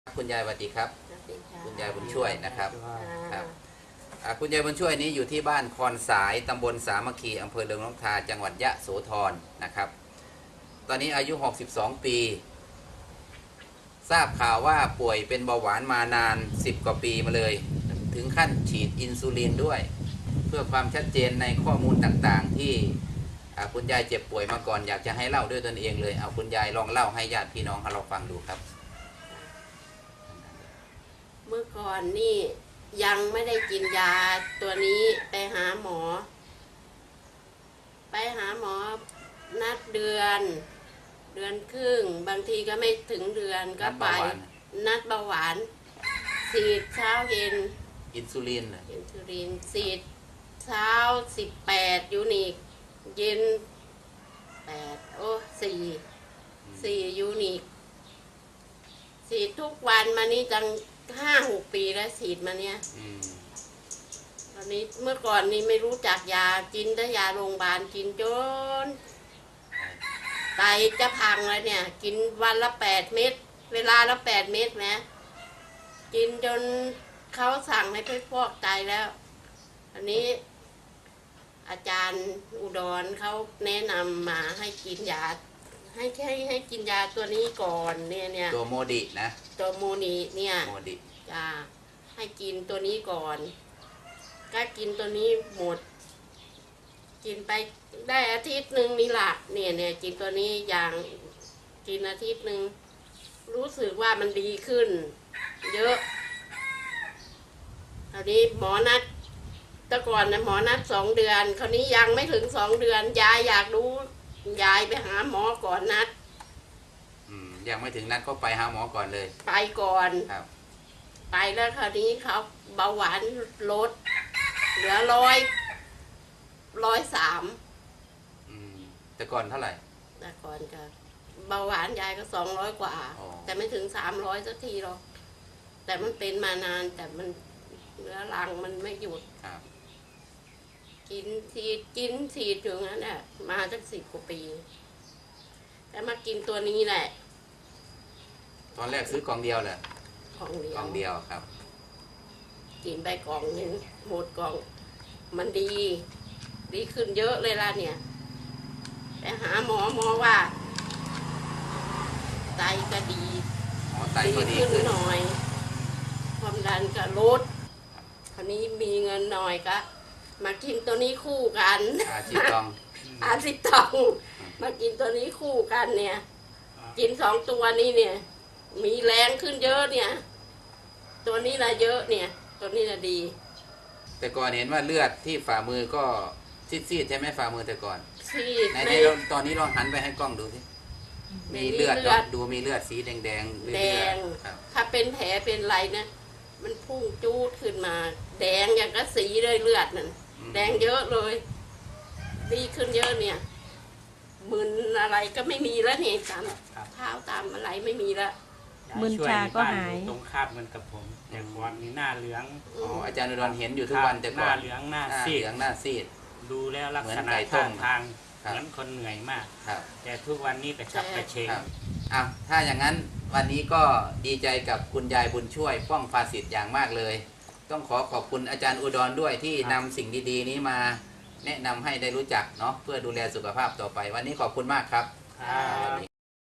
คุณยายสวัสดีครับคุณยายบุญช่วยนะครับครับคุณยายบุญช่วยนี้อยู่ที่บ้านคอนสายตำบลสามัคคีอำเภอเรืองนกทาจังหวัดยะโสธรนะครับตอนนี้อายุ62ปีทราบข่าวว่าป่วยเป็นเบาหวานมานาน10กว่าปีมาเลยถึงขั้นฉีดอินซูลินด้วยเพื่อความชัดเจนในข้อมูลต่างๆที่คุณยายเจ็บป่วยมาก่อนอยากจะให้เล่าด้วยตนเองเลยเอาคุณยายลองเล่าให้ญาติพี่น้องเราฟังดูครับเมื่อก่อนนี่ยังไม่ได้กินยาตัวนี้ไปหาหมอนัดเดือนครึ่งบางทีก็ไม่ถึงเดือนก็ไปนัดเบาหวานฉีดเช้าเย็นอินซูลินฉีดเช้า18ยูนิคเย็น4ยูนิคฉีดทุกวันมานี่ตั้ง5-6 ปีแล้วฉีดมาเนี่ยตอนนี้เมื่อก่อนนี่ไม่รู้จักยากินแต่ยาโรงพยาบาลกินจนไตจะพังแล้วเนี่ยกินวันละ8 เม็ดเวลาละ8 เม็ดนะกินจนเขาสั่งให้ไปฟอกไตแล้วอันนี้อาจารย์อุดรเขาแนะนำมาให้กินยาให้กินยาตัวนี้ก่อนเนี่ยตัวโมดินะตัวโมนีเนี่ยโมดิจ้าให้กินตัวนี้ก่อนก็กินตัวนี้หมดกินไปได้อาทิตย์หนึ่งนี่แหละเนี่ยกินตัวนี้อย่างกินอาทิตย์หนึ่งรู้สึกว่ามันดีขึ้นเยอะคราวนี้หมอนัดแต่ก่อนนะหมอนัด2 เดือนคราวนี้ยังไม่ถึง2 เดือนยายอยากรู้ยายไปหาหมอก่อนนัดยังไม่ถึงนัดก็ไปหาหมอก่อนเลยไปก่อนครับไปแล้วคราวนี้เขาเบาหวานลดเหลือ103 แต่ก่อนเท่าไหร่แต่ก่อนก็เบาหวานยายก็200 กว่าแต่ไม่ถึง300สักทีหรอกแต่มันเป็นมานานแต่มันเรื้อรังมันไม่หยุดกินฉีดอยู่งั้นแหละมาตั้ง10 กว่าปีแล้วมากินตัวนี้แหละตอนแรกซื้อกล่องเดียวเลยกล่องเดียวครับกินไปกล่องนึงหมดกล่องมันดีขึ้นเยอะเลยล่ะเนี่ยไปหาหมอว่าไตก็ดีขึ้นหน่อยความดันก็ลดคราวนี้มีเงินหน่อยก็มากินตัวนี้คู่กันอาซิตองมากินตัวนี้คู่กันเนี่ยกิน2 ตัวนี้เนี่ยมีแรงขึ้นเยอะเนี่ยตัวนี้นะเยอะเนี่ยตัวนี้นะดีแต่ก่อนเห็นว่าเลือดที่ฝ่ามือก็ซีดใช่ไหมฝ่ามือแต่ก่อนซีดในตอนนี้ลองหันไปให้กล้องดูสิมีเลือดดูมีเลือดสีแดงแดงถ้าเป็นแผลเป็นไรนะมันพุ่งจูดขึ้นมาแดงอย่างกระสีเลยเลือดนั่นแดงเยอะเลยดีขึ้นเยอะเนี่ยมึนอะไรก็ไม่มีแล้วเนี่ยตามเท้าตามอะไรไม่มีแล้วมึนชาก็หายตรงคาบเหมือนกับผมแต่ก่อนมีหน้าเหลืองอาจารย์อุดรเห็นอยู่ทุกวันแต่ก่อนหน้าเหลืองหน้าซีดดูแล้วลักษณะท่าทางเหมือนคนเหนื่อยมากแต่ทุกวันนี้กระฉับกระเฉงถ้าอย่างนั้นวันนี้ก็ดีใจกับคุณยายบุญช่วยป้องภาสิทธิ์อย่างมากเลยต้องขอบคุณอาจารย์อุดรด้วยที่นำสิ่งดีๆนี้มาแนะนำให้ได้รู้จักเนาะเพื่อดูแลสุขภาพต่อไปวันนี้ขอบคุณมากครับ